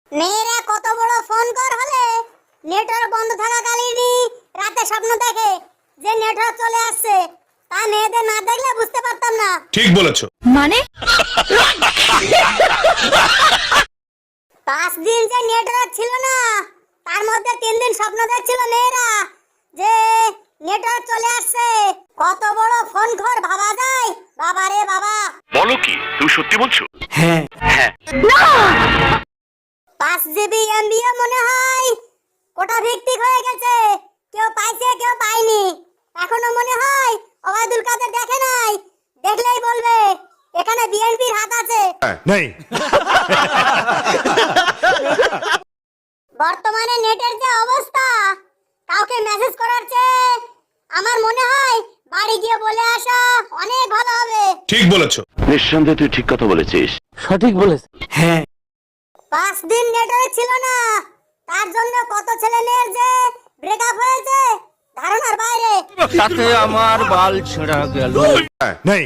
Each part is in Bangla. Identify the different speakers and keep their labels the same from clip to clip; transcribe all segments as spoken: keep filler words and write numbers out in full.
Speaker 1: মেয়েরা কত বড় ফোন কর হলে নেটওয়ার্ক বন্ধ থাকাকালীনই রাতে স্বপ্ন দেখে যে নেটওয়ার্ক চলে আসছে, তা মেয়েদের না দেখলে বুঝতে পারতাম না।
Speaker 2: ঠিক বলেছো।
Speaker 3: মানে
Speaker 1: পাঁচ দিন যে নেটওয়ার্ক ছিল না, তার মধ্যে তিন দিন স্বপ্ন দেখছিল মেয়েরা যে নেটওয়ার্ক চলে আসছে। কত বড় ফোন ঘর ভাবা যায়? বাবা রে বাবা।
Speaker 2: বলো কি, তুমি সত্যি বলছো?
Speaker 4: হ্যাঁ
Speaker 2: হ্যাঁ।
Speaker 1: পাঁচ জিবি এমবিও মনে হয় কোটা ভিত্তিক হয়ে গেছে, কেউ পাইছে কেউ পায়নি। এখনো মনে হয় ওবায়দুল কাদের দেখে নাই, দেখলেই বলবে এখানে বিএনপির হাত আছে।
Speaker 2: নেই।
Speaker 1: বর্তমানে নেটের যে অবস্থা, কাউকে মেসেজ করার চেয়ে আমার মনে হয় বাড়ি গিয়ে বলে আসা অনেক ভালো হবে।
Speaker 2: ঠিক বলেছো।
Speaker 5: নিঃসন্দেহে তুই ঠিক কথা বলেছিস।
Speaker 4: সঠিক বলেছ। হ্যাঁ
Speaker 1: পাঁচ দিন নেটওয়ার্ক ছিল না, তার জন্য কত ছেলে মেয়ের যে ব্রেকআপ হয়েছে ধারণার বাইরে।
Speaker 4: তাতে আমার বাল ছেঁড়া গেল।
Speaker 2: নেই।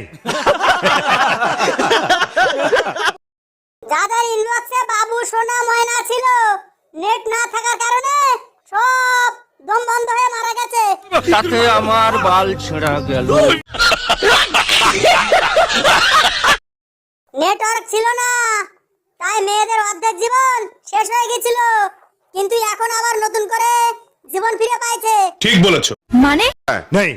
Speaker 1: যাদের ইনবক্সে বাবু সোনা ময়না ছিল, নেট না থাকার কারণে সব দম বন্ধ হয়ে মারা গেছে।
Speaker 4: তাতে আমার বাল ছেঁড়া গেল।
Speaker 1: নেটওয়ার্ক ছিল না, তাই মেয়েদের অর্ধেক জীবন শেষ হয়ে গেছিল, কিন্তু এখন আবার নতুন করে জীবন ফিরে পাইছে।
Speaker 2: ঠিক বলেছো।
Speaker 3: মানে
Speaker 2: নেই।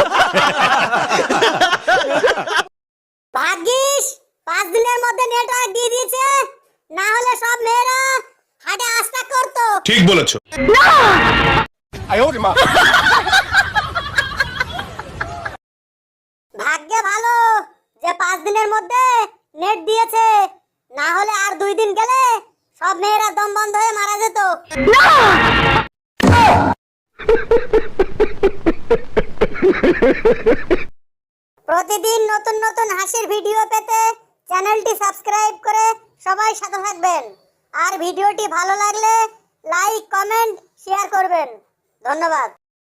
Speaker 1: ভাগ্যিস পাঁচ দিনের মধ্যে নেটওয়ার্ক দিয়ে দিয়েছে, না হলে সব মেয়েরা হাটে আস্তাক করতো।
Speaker 2: ঠিক বলেছো।
Speaker 1: ভাগ্যে ভালো যে পাঁচ দিনের মধ্যে নেট দিয়েছে, না হলে আর দুই দিন গেলে সব মেয়েরা দম বন্ধ হয়ে মারা যেত। প্রতিদিন নতুন নতুন হাসির ভিডিও পেতে চ্যানেলটি সাবস্ক্রাইব করে সবাই সাথে থাকবেন। আর ভিডিওটি ভালো লাগলে লাইক কমেন্ট শেয়ার করবেন। ধন্যবাদ।